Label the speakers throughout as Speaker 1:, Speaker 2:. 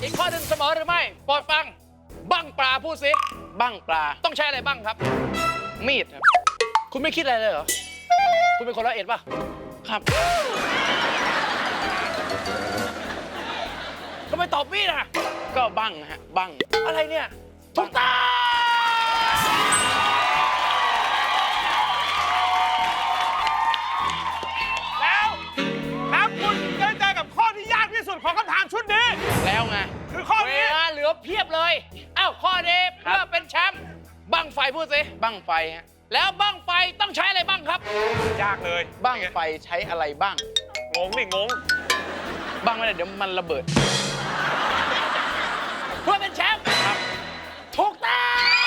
Speaker 1: อีกข้อหนึ่งเสมอหรือไม่โปรดฟังบั้งปลาพูดสิ
Speaker 2: บั้งปลา
Speaker 1: ต้องใช้อะไรบ้างครับ
Speaker 2: มีดครับ
Speaker 1: คุณไม่คิดอะไรเลยเหรอ คุณเป็นคนละเอียดป่ะ
Speaker 2: ครับ
Speaker 1: ทำไมตอบมีดอ่ะ
Speaker 2: ก็บั้งฮะบั้ง
Speaker 1: อะไรเนี่ยถูกต้อง
Speaker 3: แล้วคุณได้เจอกับข้อที่ยากที่สุดของคำถามชุดนี้
Speaker 2: แล้วไง
Speaker 3: คือข้อ
Speaker 1: เว
Speaker 3: นี้
Speaker 1: ลาเหลือเพียบเลยอ้าวข้อนี้เพื่อเป็นแชมป์บั้งไฟพูดสิ
Speaker 2: บั้งไฟฮะ
Speaker 1: แล้วบั้งไฟต้องใช้อะไรบ้างครับ
Speaker 3: ยากเลย
Speaker 2: บั้งไฟใช้อะไรบ้าง
Speaker 3: งงนี่งง
Speaker 2: บั้งไม่ได้เดี๋ยวมันระเบิด
Speaker 1: เพื่อเป็นแชมป์ครับถูกต้อง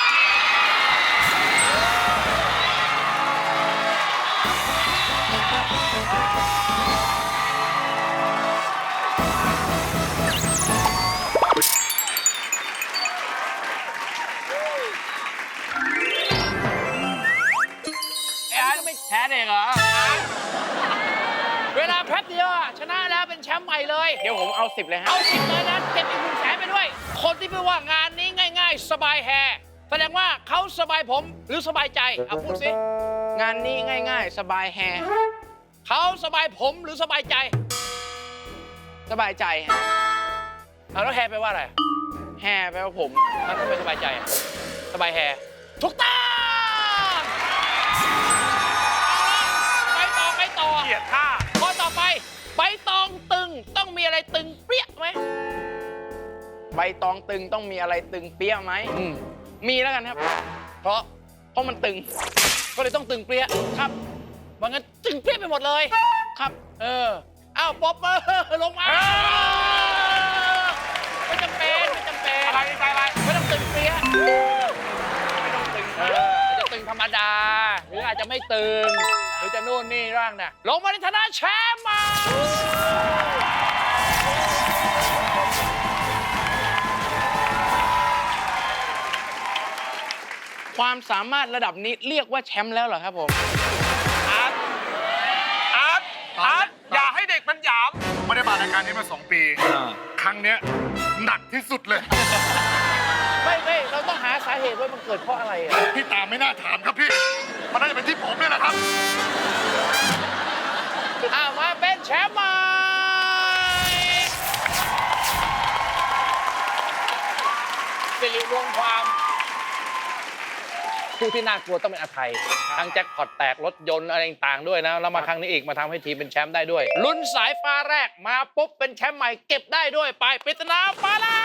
Speaker 1: ไอ้อันไม่แพ้เองเหรอ เวลาแป๊บเดียวอะชนะแล้วเป็นแชมป์ใหม่เลย
Speaker 2: เดี๋ยวผมเอา10เลยฮะ
Speaker 1: เอาสิบเลยนะเก็บอีก100,000ไปด้วย คนที่พูดว่างานนี้ง่ายๆ สบายแฮแสดงว่าเขาสบายผมหรือสบายใจเอาพูดสิ
Speaker 2: งานนี้ง่ายๆ สบายแฮ
Speaker 1: เขาสบายผมหรือสบายใจ
Speaker 2: สบายใจฮะ
Speaker 1: เอาแล้วแฮแปลว่าอะไร
Speaker 2: แฮแปลว่าผม
Speaker 1: มันก็เป็นสบายใจอะสบายแฮถูกต้องเอาละไปต่อ
Speaker 3: เกลียดท่า
Speaker 1: ข้อต่อไปใบตองตึงต้องมีอะไรตึงเปรี้ยไหม
Speaker 2: ใบตองตึงต้องมีอะไรตึงเปี้ยไหม มีแล้วกันครับ
Speaker 1: เพราะ
Speaker 2: เพราะมันตึง
Speaker 1: ก็เลยต้องตึงเปรี้ย
Speaker 2: ครับ
Speaker 1: ว่างั้นตึงเปรี้ยไปหมดเลย
Speaker 2: ครับ
Speaker 1: อ้าวป๊อปลงมาไม่จำเป็นไม่จำเป็น
Speaker 3: อะไรใจอะไร
Speaker 1: ไม่ต้องตึงเปรี้ย
Speaker 2: ไม่ต้องตึง
Speaker 1: อาจจะตึงธรรมดา หรืออาจจะไม่ตึง หรือจะนู่นนี่ร่างน่ะลงมาในฐานะแชมป์มา
Speaker 2: ความสามารถระดับนี้เรียกว่าแชมป์แล้วเหรอครับผม
Speaker 3: อาร์ตอาร์ตอาร์ตอย่าให้เด็กมันหยาม
Speaker 4: ผมไม่ได้มารายการนี้มา2 ปี ครั้งเนี้ยหนักที่สุดเลย
Speaker 1: ไม่เราต้องหาสาเหตุว่ามันเกิดเพราะอะไรอ่ะ
Speaker 4: พี่ตามไม่น่าถามครับพี่ มันน่าจะเป็นที่ผมเนี่ยแหละครับ
Speaker 1: มาเป็นแชมป์ใหม่สิริรวมความผู้ที่น่ากลัวต้องเป็นอาไทยทั้งแจ็คพอตแตกรถยนต์อะไรต่างๆด้วยนะแล้วมาครั้งนี้อีกมาทำให้ทีมเป็นแชมป์ได้ด้วยลุ้นสายฟ้าแรกมาปุ๊บเป็นแชมป์ใหม่เก็บได้ด้วยไปปริศนาฟ้าแลบ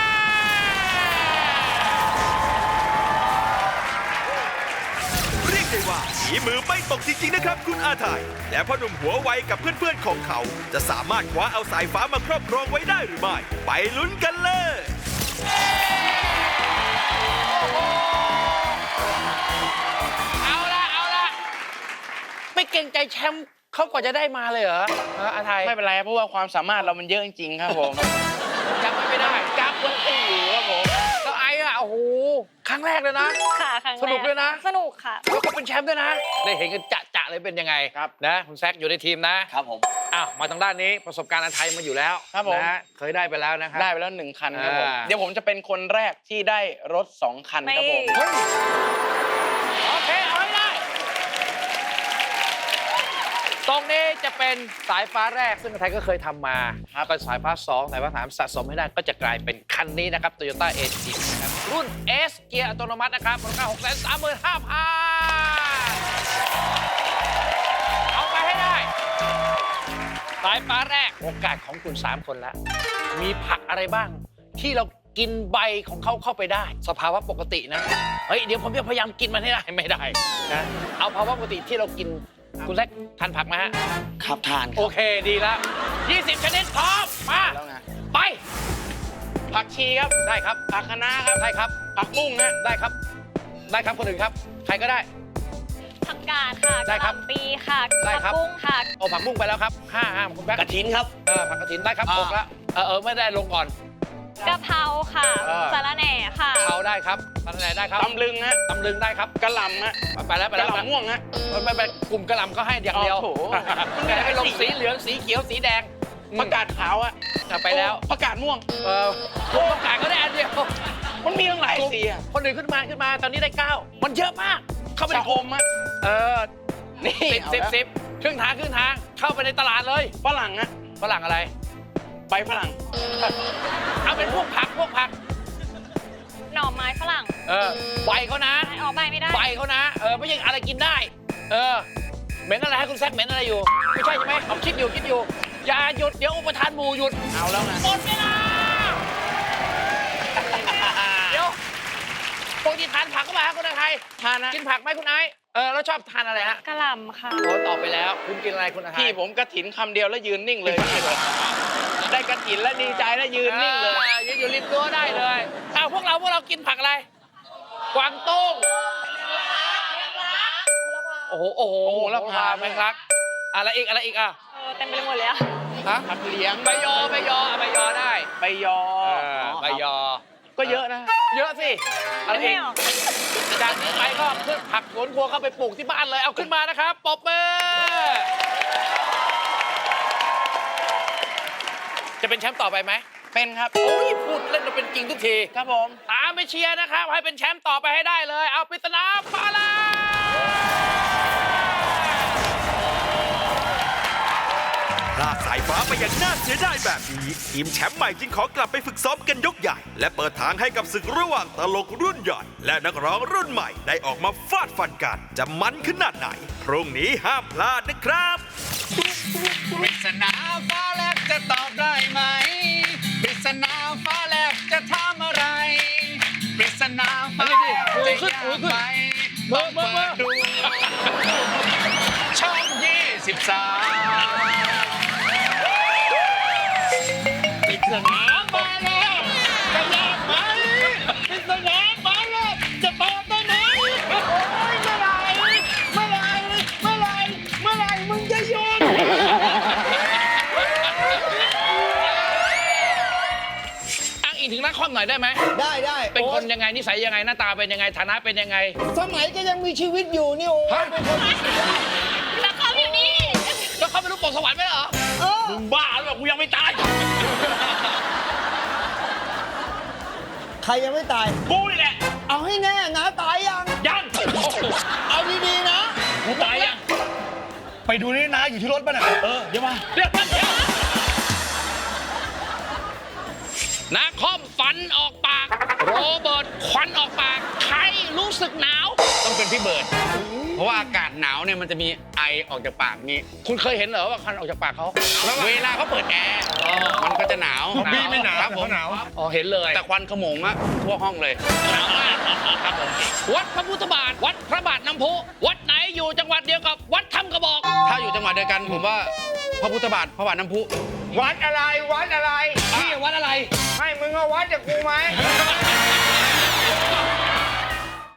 Speaker 5: เรียกได้ว่าฝีมือไม่ตกจริงๆนะครับคุณอาไทยและพ่อหนุ่มหัวไวกับเพื่อนๆของเขา จะสามารถคว้าเอาสายฟ้ามาครอบครองไว้ได้หรือไม่ ไปลุ้นกันเลย
Speaker 1: เอาละไม่เกรงใจแชมป์เขากว่าจะได้มาเลยเหรออาไทย
Speaker 2: ไม่เป็นไรเพราะว่าความสามารถเรามันเยอะจริงๆครับผม
Speaker 1: จำไม่ได้จับยังตีอยู่ครับผมแล้วไอ้อะโอ้โหครั้งแรกเลยนะ
Speaker 6: ค่ะครั้งแร
Speaker 1: สนุกด้วยนะ
Speaker 6: สนุกค่ะ
Speaker 1: แล้วก็เป็นแชมป์ด้วยนะ ได้เห็นกันจะเลยเป็นยังไง
Speaker 2: ครับ
Speaker 1: นะคุณแซคอยู่ในทีมนะครับ
Speaker 2: ผม
Speaker 1: อ้าวมาทางด้านนี้ประสบการณ์อาไทยมาอยู่แล้ว
Speaker 2: ครับผม
Speaker 1: นะเคยได้ไปแล้วนะครับ
Speaker 2: ได้ไปแล้ว1 คันครับผม
Speaker 1: อ่า
Speaker 2: เดี๋ยวผมจะเป็นคนแรกที่ได้รถ2 คันครับผม
Speaker 6: ไม่
Speaker 1: เฮ้ยโอเคเอาให้ได้ตรงนี้จะเป็นสายฟ้าแรกซึ่งอาไทยก็เคยทำมาครับก็สายฟ้า 2 สายฟ้า 3 สะสมให้ได้ก็จะกลายเป็นคันนี้นะครับ Toyota AG นะครับรุ่น S เกียร์อัตโนมัตินะครับมูลค่า 635,000 เอาไปให้ได้ สายฟ้าแรกโอกาสของคุณ 3 คนแล้ว มีผักอะไรบ้าง ที่เรากินใบของเขาเข้าไปได้ สภาวะปกตินะ เฮ้ย เดี๋ยวผมจะพยายามกินมันให้ได้ไม่ได้นะเอาภาวะปกติที่เรากิน คุณแซคทานผักไหมฮะ
Speaker 2: ขับทานค
Speaker 1: โอ
Speaker 2: รับ
Speaker 1: เคดีแล้ว 20 ชนิดพร้อมมา
Speaker 2: แล้วไง
Speaker 1: ไป
Speaker 2: ผักชีครับ
Speaker 1: ได้ครับ
Speaker 2: ผักคะน้าครับ
Speaker 1: ได้ครับ
Speaker 2: ผักบุ้งฮะ
Speaker 1: ได้ครับ ได้ครับคนอื่นครับ ใครก็ได้
Speaker 6: ผักกาดค่ะ
Speaker 1: ได้ครับ
Speaker 6: กะหล่ำปีค่ะ
Speaker 1: ได้ครับ
Speaker 6: ผักบุ้งค่ะ
Speaker 1: เอาผักบุ้งไปแล้วครับห้ามคุณแบ๊ก
Speaker 2: กระถินครับ
Speaker 1: ผักกระถินได้ครับ
Speaker 2: อ่า
Speaker 1: 6แล้วไม่ได้ลงก่อน
Speaker 6: กะเพราค่ะ สาระแหน่ค่ะ
Speaker 1: เอาได้ครับตำแหน่งได้ครับ
Speaker 2: ตำลึงฮะ
Speaker 1: ตำลึงได้ครับ
Speaker 2: กระหล่ำฮะ
Speaker 1: ไปแล้ว
Speaker 2: กระหล่ำม่วงฮะ
Speaker 1: ไปกลุ่มกระหล่ำก็ให้อย่างเดียว
Speaker 2: โอ้โห
Speaker 1: แต่ให้ลงสีเหลืองสีเขียวสีแดง
Speaker 2: ผักกาดขาวอะ
Speaker 1: ไปแล้ว
Speaker 2: ผักกาดม่วง
Speaker 1: พวกประกาศก็ได้อันเดียว
Speaker 2: มันมีตั้งหลายสีอะ
Speaker 1: คนอื่นขึ้นมาตอนนี้ได้ 9 มันเยอะมาก เข้าไปใน
Speaker 2: ชะอมอะ นี่
Speaker 1: สิบครึ่งทางเข้าไปในตลาดเลย
Speaker 2: ฝรั่งอะ
Speaker 1: ฝรั่งอะไร
Speaker 2: ใบฝรั่ง
Speaker 1: เอาเป็นพวกผัก
Speaker 6: หน่อไม้ฝรั่ง
Speaker 1: ใบเขานะ
Speaker 6: ออกใบไม่ได้
Speaker 1: ใบเขานะ ไม่ใช่อะไรกินได้ เหม็นอะไรให้คุณแซคเหม็นอะไรอยู่ ไม่ใช่ใช่ไหมเอาคิดอยู่ อย่าหยุด เดี๋ยวอุปทานหมู่หยุด
Speaker 2: เอาแล้วไง
Speaker 1: หมดเวลา เดี๋ยวปกติทานผักก็มาฮะคุณอาไทย
Speaker 2: ทานนะ
Speaker 1: กินผักไหมคุณไอซ์แล้วชอบทานอะไรฮะ
Speaker 6: กระหล่ำค่ะ
Speaker 1: โอ้ตอบไปแล้ว คุณกินอะไรคุณอาไทย
Speaker 2: พี่ผมกระถินคำเดียวแล้วยืนนิ่งเลย ได้กระถินแล้วดีใจแล้วยืนนิ่งเลย
Speaker 1: ยืนอยู่ริมรั้วได้เลยพวกเรากินผักอะไร กวางตุ้งโอ้โห
Speaker 2: โอ้โหละพา
Speaker 1: แมงลักอะไรอีกอ่ะ
Speaker 6: เต็มไปหมดเลยอะ
Speaker 1: ฮะ
Speaker 2: ผักเลี้ยง
Speaker 1: ใบยอได้
Speaker 2: ใบยอ
Speaker 1: ใบยอ
Speaker 2: ก็เยอะนะ
Speaker 1: เยอะสิอะไร
Speaker 6: ไม่
Speaker 1: อีก
Speaker 6: ออก
Speaker 1: จากนี้ไปก็ขึ้นผักสวนครัวเข้าไปปลูกที่บ้านเลย เอาขึ้นมานะครับปรบมือจะเป็นแชมป์ต่อไปไหม
Speaker 2: เป็นครับ
Speaker 1: โอ้ยพูดเล่นมาเป็นจริงทุกที
Speaker 2: ครับผม
Speaker 1: ตามไปเชียร์นะครับ ให้เป็นแชมป์ต่อไปให้ได้เลย เอาปริศนาฟ้าแลบ
Speaker 5: พลาดสายฟ้าไปอย่างน่าเสียดายแบบนี้ ทีมแชมป์ใหม่จึงขอกลับไปฝึกซ้อมกันยกใหญ่ และเปิดทางให้กับศึกระหว่างตลกรุ่นใหญ่ และนักร้องรุ่นใหม่ได้ออกมาฟาดฟันกัน จะมันขนาดไหน พรุ่งนี้ห้ามพลาดนะครับ
Speaker 3: ปริศนาฟ้าแลบจะตอบได้ไหมปริศนาฟ้าแลบจะถามอะไรปริศนาฟ้าแลบจะยากไหมต้องเปิดดูช่อง23ปริศนาฟ้าแลบจะยากไหมปริศนาฟ้าแลบจะตอบได้ไหมโอ้ยเมื่อไหร่มึงจะหยุด
Speaker 1: อ้างอิงถึงนักคอมหน่อยได้ไหม
Speaker 7: ได้
Speaker 1: เป็นคน
Speaker 7: โอ้
Speaker 1: ยังไงนิสัยยังไงหน้าตาเป็นยังไงฐานะเป็นยังไง
Speaker 7: สมัยก็ยังมีชีวิตอยู่นี่โอ้ยเป็นคน
Speaker 6: แล้วเขาอยู่นี่
Speaker 1: แล้วเขาไม่รู้ปกสวรรค์ไหมเหรอ
Speaker 3: มึงบ้าหรือเปล่ากูยังไม่ตาย
Speaker 7: ใครยังไม่ตาย
Speaker 3: กูนี่แหละ
Speaker 7: เอาให้แน่นะตายยัง
Speaker 3: ยัง
Speaker 7: เอาดีๆนะ
Speaker 3: กูตายยัง ไปดูนี่นะอยู่ที่รถป่ะน่ะเดี๋ยวมาเดี๋ยว
Speaker 1: นักคอมฟันออกปาก โรเบิร์ตควันออกปาก ใครรู้สึกหนาว
Speaker 2: ต้องเป็นพี่เบิร์ดเพราะว่าอากาศหนาวเนี่ยมันจะมีไอออกจากปากนี้
Speaker 1: คุณเคยเห็นเหรอว่าควันออกจากปากเขา
Speaker 2: เวลาเขาเปิดแอร์มันก็จะหนาว
Speaker 3: บี้ไม่หนาว
Speaker 2: ครับผม
Speaker 3: หนาว
Speaker 1: อ๋อเห็นเลย
Speaker 2: แต่ควันขโมงอะทั่วห้องเลย
Speaker 1: หนาวมากครับผมวัดพระพุทธบาท วัดพระบาทน้ำพุวัดไหนอยู่จังหวัดเดียวกับวัดถ้ำกระบอก
Speaker 2: ถ้าอยู่จังหวัดเดียวกันผมว่าพระพุทธบาทพระบาทน้ำพุ
Speaker 3: วัดอะไร
Speaker 1: พี่วัดอะไร
Speaker 3: ให้มึงเอาวัดจากกูไหม
Speaker 1: เ